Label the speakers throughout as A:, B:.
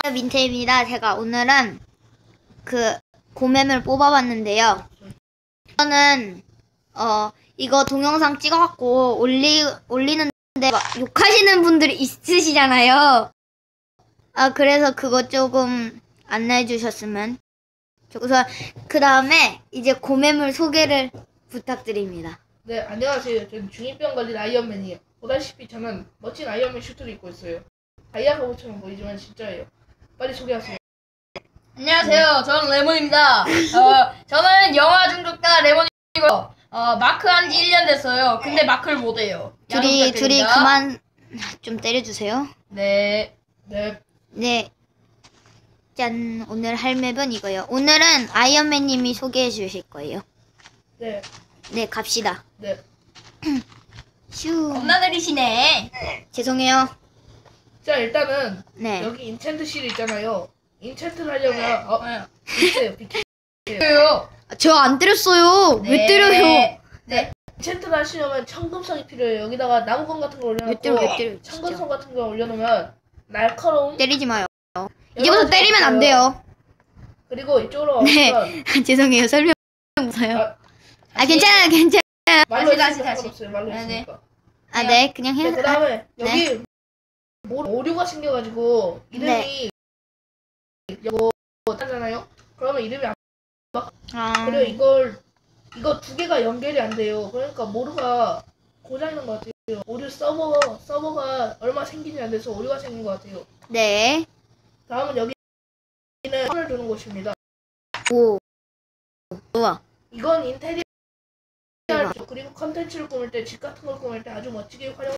A: 민트입니다. 제가 오늘은 그 고매물 뽑아봤는데요. 저는 이거 동영상 찍어갖고 올리는데 막 욕하시는 분들이 있으시잖아요. 그래서 그거 조금 안내해 주셨으면. 우선 그 다음에 이제 고매물 소개를 부탁드립니다.
B: 네, 안녕하세요. 저는 중2병 걸린 아이언맨이에요. 보다시피 저는 멋진 아이언맨 슈트를 입고 있어요. 다이아 가보처럼 보이지만 진짜예요. 빨리 소개하세요.
C: 안녕하세요. 저는 레몬입니다. 저는 영화 중독자 레몬이고요. 마크 한지 1년 됐어요. 근데 마크를 못해요.
A: 둘이 그만 좀 때려주세요.
C: 네.
A: 네. 짠. 오늘 할 맵은 이거예요. 오늘은 아이언맨님이 소개해 주실 거예요.
B: 네.
A: 네, 갑시다.
B: 네.
A: 슈.
C: 겁나 느리시네.
A: 죄송해요.
B: 자, 일단은
A: 네.
B: 여기 인챈트 실 있잖아요. 인챈트를 하려면 비켜요.
C: 왜요?
A: 저 안 때렸어요. 왜 때려요?
C: 네.
B: 인챈트를 하시려면 청금성이 필요해요. 여기다가 나무건 같은 걸 올려놓고
A: 왜 때려,
B: 청금성 같은 걸 올려놓으면 날카로운
A: 때리지 마요.
B: 여러
A: 이제부터
B: 가지가
A: 때리면 안
B: 있어요.
A: 돼요.
B: 그리고 이쪽으로
A: 네.
B: 오시면
A: 죄송해요. 설명 못해요.
B: 다시
A: 괜찮아요.
B: 말로
C: 다시.
B: 했으니까 상관없어요. 말로
C: 네.
B: 했으니까.
A: 네, 그냥
B: 네,
A: 해.
B: 그 다음에
A: 네.
B: 여기 오류가 생겨가지고 이름이 이거 하잖아요. 그러면 이름이 안 그리고 이거 두 개가 연결이 안 돼요. 그러니까 모루가 고장난 것 같아요. 오류 서버가 얼마 생기지 안 돼서 오류가 생긴 것 같아요.
A: 네.
B: 다음은 여기는 선을 두는 곳입니다.
A: 오. 우와.
B: 이건 인테리어
A: 대박.
B: 그리고 컨텐츠를 꾸밀 때, 집 같은 걸 꾸밀 때 아주 멋지게 활용.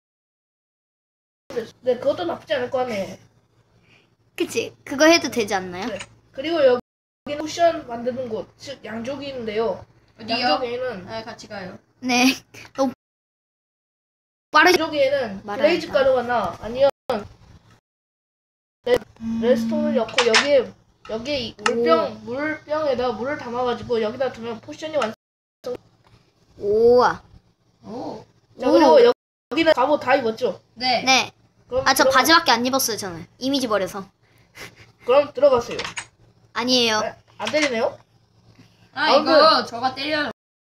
B: 네, 그것도 나쁘지 않을 것 같네요.
A: 그치? 그거 해도 되지 않나요?
B: 네. 그리고 여기는 쿠션 만드는 곳, 즉 양조기 있는데요.
C: 어디요?
B: 양조기에는
C: 네, 같이 가요.
A: 네. 너무 빠르게.
B: 양조기에는
A: 말아야겠다.
B: 블레이즈 가루가 아니면 레스톤을 넣고 여기에 이 물병에다 물을 담아가지고 여기다 두면 포션이 완성.
A: 우와.
C: 오.
B: 자, 그리고 여기는 갑옷 다 입었죠?
C: 네.
A: 네.
B: 그럼
A: 저
B: 들어가-
A: 바지밖에 안 입었어요, 저는. 이미지 버려서.
B: 그럼 들어가세요.
A: 아니에요.
B: 네, 안 때리네요?
C: 이거 저가 때려요.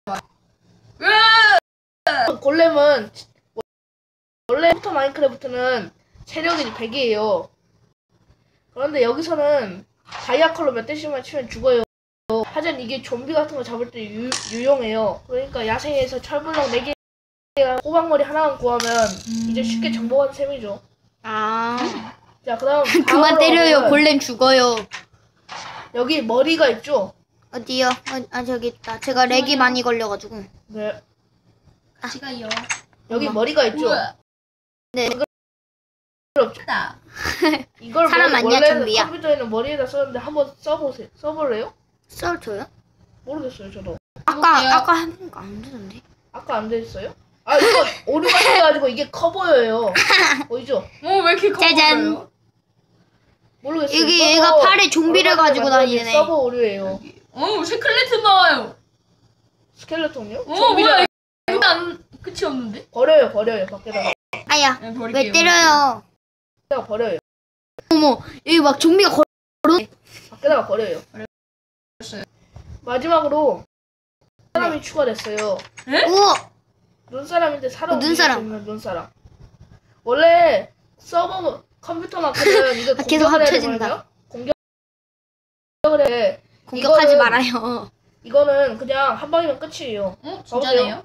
B: 골렘은 원래부터 마인크래프트는 체력이 100이에요. 그런데 여기서는 다이아 컬러 몇 대씩만 치면 죽어요. 하지만 이게 좀비 같은 거 잡을 때 유용해요. 그러니까 야생에서 철블럭 4개랑 호박머리 하나만 구하면 이제 쉽게 정복한 셈이죠. 자, 그다음
A: 그만 때려요. 골렘 죽어요.
B: 여기 머리가 있죠?
A: 어디요? 저기 있다. 제가 렉이 많이 걸려가지고.
B: 네.
C: 같이 가요.
B: 여기 머리가 있죠?
C: 우와.
A: 네.
C: 다.
B: 이걸
A: 사람 아니야,
B: 원래는
A: 좀비야?
B: 컴퓨터에는 머리에다 썼는데 한번 써보세요. 써볼래요?
A: 썰줘요?
B: 모르겠어요, 저도.
A: 아까 해보니까 안 되던데.
B: 아까 안 됐어요? 이거 오류가 생겨가지고 이게 커 보여요. 보이죠?
C: 왜 이렇게 커
A: 짜잔.
C: 보여요?
B: 모르겠어요.
A: 여기
B: 이거도
A: 얘가 팔에 좀비를
B: 얼마 전에
A: 가지고
B: 만든
A: 다니네.
B: 서버 오류예요.
C: 스켈레톤 나와요.
B: 스켈레톤이요?
C: 뭐야? 이거 끝이 없는데?
B: 버려요, 밖에다가.
A: 아야.
C: 네, 버릴게요.
A: 왜 때려요?
B: 밖에다가 버려요.
A: 어머. 여기 막 좀비가
B: 밖에다가 버려요.
C: 버렸어요.
B: 마지막으로 사람이 추가됐어요.
A: 우와.
B: 눈사람인데 사람
A: 눈사람.
B: 움직일 수 있는 눈사람. 원래 서버 컴퓨터만큼은 이거
A: 계속
B: 공격을 해야
A: 합쳐진다.
B: 되거든요. 공격을 해.
A: 공격하지
B: 이거는-
A: 말아요.
B: 이거는 그냥 한 방이면 끝이에요.
C: 진짜네요?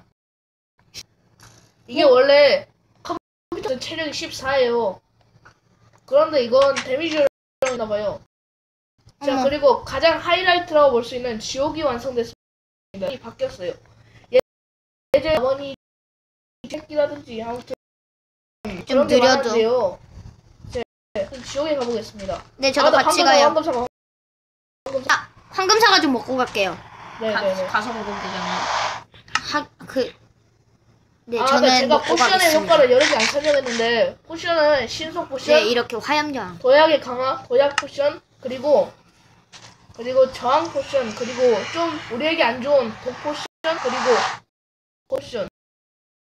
B: 이게 원래 컴퓨터 체력이 14예요. 그런데 이건 데미지가 봐요. 자,
A: 어머.
B: 그리고 가장 하이라이트라고 볼 수 있는 지옥이 완성됐습니다. 이 바뀌었어요. 예전에 어머니 새끼라든지 아무튼
A: 좀
B: 그런 게
A: 느려져.
B: 많은데요. 그럼 지옥에 가보겠습니다.
A: 네, 저도
B: 나
A: 같이
B: 황금
A: 가요.
B: 사과.
A: 황금 사과 좀 먹고 갈게요.
B: 네네네.
C: 가서 먹으면 되잖아요.
A: 네,
B: 네,
A: 저는
B: 제가
A: 먹고
B: 포션의
A: 가겠습니다.
B: 효과를 여러 개 안 설명했는데 포션은 신속 포션,
A: 네, 이렇게 화염장.
B: 도약의 강화, 도약 포션, 그리고 저항 포션, 그리고 좀 우리에게 안 좋은 독 포션, 그리고 포션,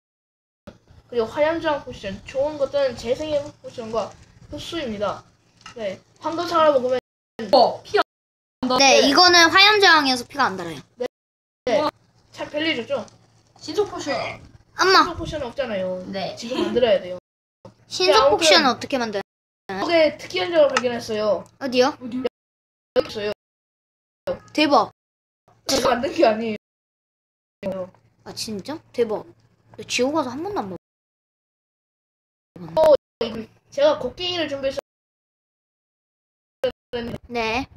B: 그리고 화염저항 포션. 좋은 것들은 재생의 포션과 흡수입니다. 네. 황금사과를 먹으면
C: 피 안.
A: 네, 이거는 화염저항이어서 피가 안 달아요.
B: 참 편리해졌죠?
C: 신속 포션.
A: 엄마,
B: 신속 포션은 없잖아요.
C: 네.
B: 지금 만들어야 돼요.
A: 신속
B: 아무튼-
A: 포션은 어떻게 만들어요?
B: 이게 특이한 점을 발견했어요.
A: 어디요?
B: 여기 있어요.
A: 대박.
B: 제가 만든 게 아니에요.
A: 아, 진짜? 대박. 나 지옥 가서 한 번도 안 먹어.
B: 제가 곡괭이를 준비해서
A: 네.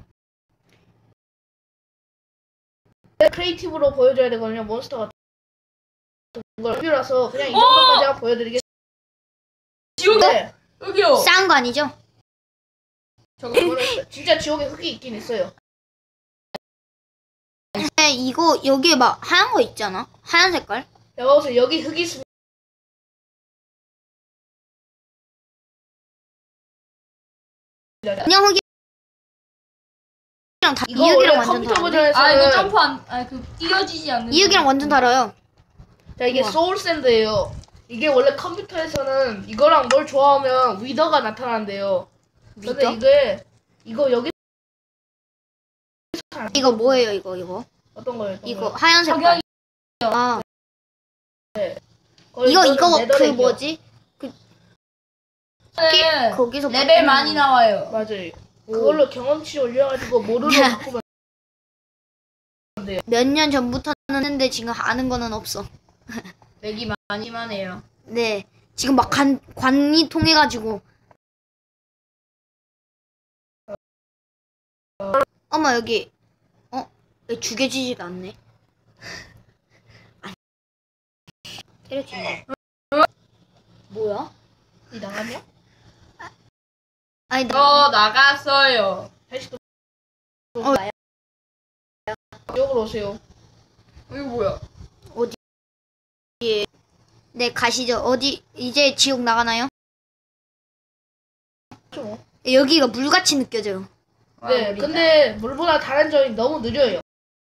B: 크리에이티브로 보여줘야 되거든요. 몬스터 같은 걸 준비라서 그냥 이 정도까지 보여드리겠습니다.
C: 지옥에 여기요.
A: 싸운 거 아니죠?
C: 저거
B: 진짜 지옥에 흙이 있긴 있어요.
A: 네, 이거 여기에 막 하얀 거 있잖아. 하얀 색깔.
B: 여기 보세요. 여기 흙이 있습니다.
A: 그냥 흙이랑 다
B: 이거 원래
A: 이흙이랑 완전
B: 컴퓨터
A: 다른데?
B: 버전에서는
C: 아 이거 점프 그 뛰어지지 않는.
A: 이흙이랑 완전 달아요.
B: 자, 이게
A: 우와.
B: 소울샌드예요. 이게 원래 컴퓨터에서는 이거랑 뭘 좋아하면 위더가 나타난대요. 근데
A: 위더?
B: 이거 여기
A: 이거 뭐예요, 이거?
B: 어떤 거예요?
A: 이거 하얀 색깔. 아,
B: 거의
A: 이거
B: 이거는
A: 그
B: 네더렉이요.
A: 뭐지?
C: 네.
A: 거기서
C: 레벨 많이 나와요.
B: 맞아요. 그걸로 경험치 올려가지고 모르로 바꾸면
A: 몇 년 전부터 했는데 지금 아는 거는 없어.
C: 맥이 많이만 해요.
A: 네, 지금 막 관이 통해가지고. 어머 여기 왜 죽여지지가 않네. 때려주네. 뭐야?
B: 이 나갔냐?
A: 아니
C: 저 나갔어요.
B: 다시 또
A: 나야.
B: 여기로 오세요.
C: 이거 뭐야?
A: 네 가시죠. 어디 이제 지옥 나가나요?
B: 좀.
A: 여기가 물같이 느껴져요.
B: 네, 근데 물보다 다른 점이 너무 느려요.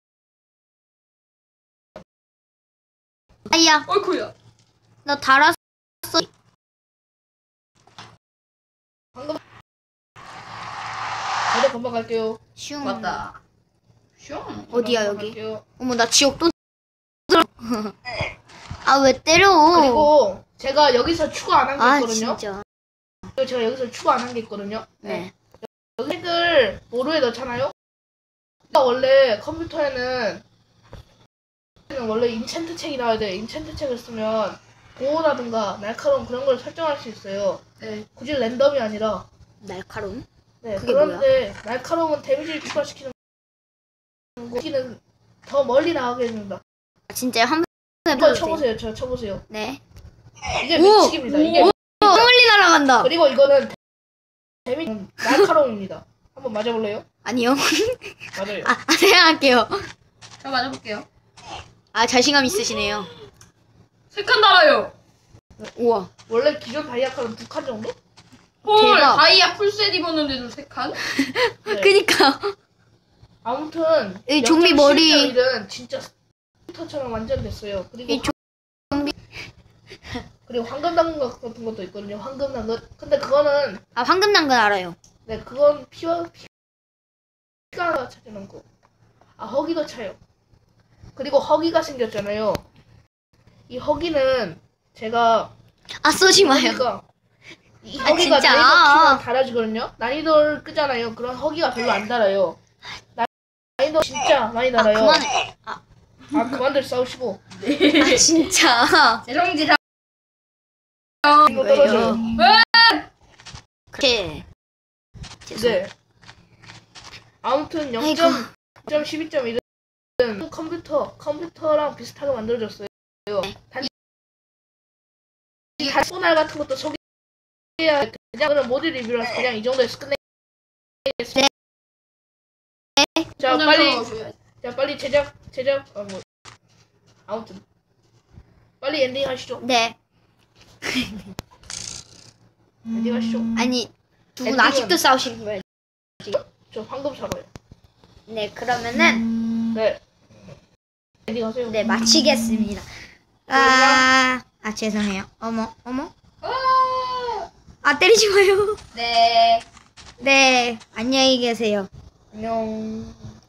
A: 아야,
C: 어이쿠야.
A: 나 달았어.
B: 방금 저도 금방 갈게요.
A: 슝.
C: 맞다. 슝.
A: 어디야
B: 금방
A: 여기?
B: 갈게요.
A: 어머 나 지옥 또. 아 왜 때려?
B: 그리고 제가 여기서 추가 안 한 게
A: 아
B: 있거든요.
A: 진짜.
B: 그리고 제가 여기서 추가 안 한 게 있거든요.
A: 네.
B: 여기 색을 모루에 넣잖아요. 원래 컴퓨터에는 원래 인챈트 책이 나와야 돼요. 인챈트 책을 쓰면 보호라든가 날카로움 그런 걸 설정할 수 있어요.
C: 네.
B: 굳이 랜덤이 아니라.
A: 날카로움?
B: 네,
A: 그게
B: 그런데 날카로움은 데미지를 추가시키는 거기는 더 멀리 나가게 해준다.
A: 아, 진짜 한번
B: 이거
A: 해봐도 돼요?
B: 쳐보세요. 저 쳐보세요.
A: 네.
B: 이게
A: 오!
B: 미치기입니다. 이게
A: 멀리 날아간다.
B: 그리고 이거는 데미지 날카로움입니다. 한번 맞아볼래요?
A: 아니요.
B: 맞아요.
A: 아 생각할게요.
C: 저 맞아볼게요.
A: 아 자신감 있으시네요.
C: 3칸 달아요.
A: 우와.
B: 원래 기존 다이아카는 2칸 정도?
C: 헐,
A: 대박.
C: 다이아 풀셋 입었는데도 3칸?
B: 네.
A: 그니까.
B: 아무튼
A: 이 좀비 머리.
B: 는 진짜 스쿠터처럼 완전 됐어요. 그리고
A: 이 좀비.
B: 그리고 황금 당근 같은 것도 있거든요. 황금 당근. 근데 그거는
A: 아 황금 당근 알아요.
B: 네 그건 피가 차지는 거. 아 허기도 차요. 그리고 허기가 생겼잖아요. 이 허기는 제가
A: 아 쏘지 마요.
B: 이
A: 아,
B: 허기가
A: 진짜?
B: 난이도 키면 달아지거든요. 난이도를 끄잖아요. 그런 허기가 별로 안 달아요. 난이도 진짜 많이
A: 아
B: 달아요.
A: 그만해.
B: 아 그만들 싸우시고.
A: 아 진짜.
C: 재정지상.
B: 이거 떨어져요.
A: 그래. 죄송.
B: 네. 아무튼
A: 아이고.
B: 0.12.1은 컴퓨터랑 비슷하게 만들어졌어요. 단지 소날 같은 것도 소개해야 돼. 그냥 모드 리뷰라서 그냥 이 정도에서 끝내겠습니다. 자 빨리 제작 아무튼 빨리 엔딩 하시죠.
A: 네.
B: 엔딩 하시죠.
A: 아니 두 분
B: 엔딩은-
A: 아직도 싸우시는 거예요?
B: 저 황금 사과요.
A: 네 그러면은
B: 네. 엔딩 하세요.
A: 네 마치겠습니다. 아 죄송해요. 어머. 아 때리지 마요.
C: 네.
A: 네, 안녕히 계세요.
B: 안녕.